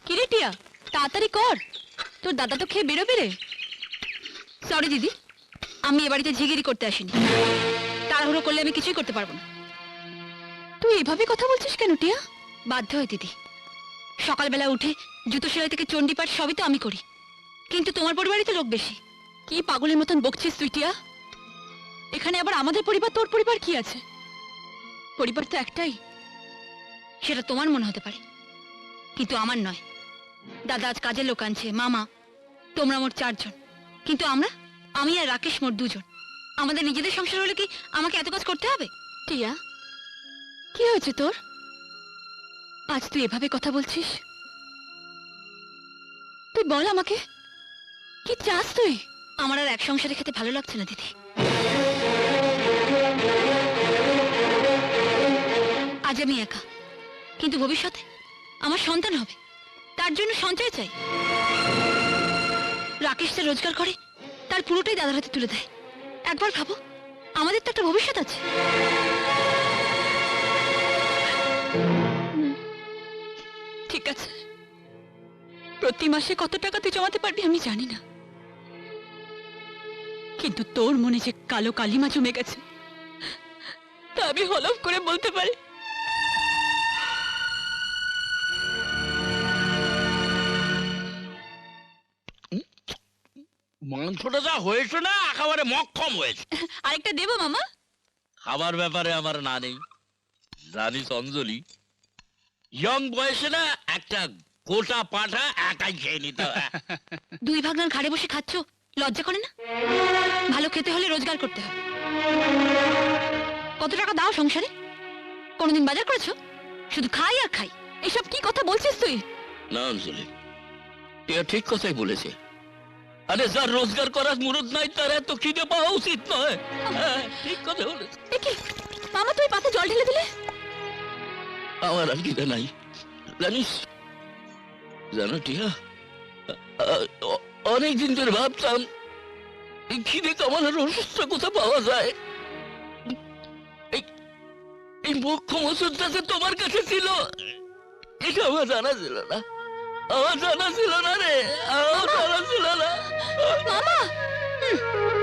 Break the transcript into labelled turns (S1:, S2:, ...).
S1: কিরে টিয়া, তাড়াতাড়ি কর, তোর দাদা তো খেয়ে বেরোবে রে। সরি দিদি, আমি এ বাড়িতে ঝিগিরি করতে আসিনি। তাড়াহুড়ো করলে আমি কিছুই করতে পারবো না। তুই এভাবে কথা বলছিস কেন টিয়া? বাধ্য হয় দিদি, সকালবেলা উঠে জুতো সেলাই থেকে চণ্ডীপাঠ সবই তো আমি করি, কিন্তু তোমার পরিবারই তো লোক বেশি। কি পাগলের মতন বকছিস তুই টিয়া? এখানে আবার আমাদের পরিবার তোর পরিবার কি আছে? পরিবার তো একটাই, সেটা তোমার মনে হতে পারে, কিন্তু আমার নয়। দাদা আজ কাজের লোক আনছে, মামা, তোমরা মোট 4 জন, কিন্তু আমি আর রাকেশ মোট 2 জন। আমাদের নিজেদের সংসার হলে কি আমাকে এত কাজ করতে হবে? টিয়া, কি হয়েছে তোর? আজ তুই এভাবে কথা বলছিস? তুই বল আমাকে, কি চাস তুই? আমার আর এক সংসারে খেতে ভালো লাগছে না দিদি। আজ আমি একা, কিন্তু ভবিষ্যতে আমার সন্তান হবে, তার জন্য সঞ্চয় চাই। রাকেশ যা রোজগার করে তার পুরোটাই দাদার হাতে তুলে দেয়। একবার ভাবো, আমাদের তো একটা ভবিষ্যৎ আছে। ঠিক আছে, প্রতি মাসে কত টাকা তুই জমাতে পারবি আমি জানি না, কিন্তু তোর মনে যে কালো কালিমা জমে গেছে তা আমি হলফ করে বলতে পারি।
S2: মাংসটা যা হয়েছে না একেবারে মক্ষম হয়েছে।
S1: আরেকটা দেবো মামা?
S2: খাবার ব্যাপারে আমার না নেই, জানিস অঞ্জলি, ইয়ং বয়সে না একটা গোটা পাঠা একাই খেয়ে নিতে হয়।
S1: 2 ভাগনার ঘাড়ে বসে খাচ্ছ, লজ্জা করে না? ভালো খেতে হলে রোজগার করতে হবে। কত টাকা দাও সংসারে? কোনোদিন বাজার করেছো? শুধু খাই আর খাই। এসব কি কথা বলছিস তুই?
S2: না অঞ্জলি, টিয়া ঠিক কথাই বলেছে। আরে যার রোজগার করার মুরুদ নাই তার এত খিদে পাওয়া উচিত নয়। হ্যাঁ, ঠিক কথা বলেছে।
S1: এ কি মামা, তুই পাতে জল ঢেলে দিলে?
S2: আমার আর খিদে নাই, জানিস, জানো টিয়া, অনেকদিন ধরে ভাবতাম এই খিদে কামানোর ওষুধটা কোথা পাওয়া যায়। এই মোক্ষম ওষুধটা যে তোমার কাছে ছিল এটা আমার জানা ছিল না, আমার জানা ছিল না রে, আমার জানা ছিল না।
S1: মামা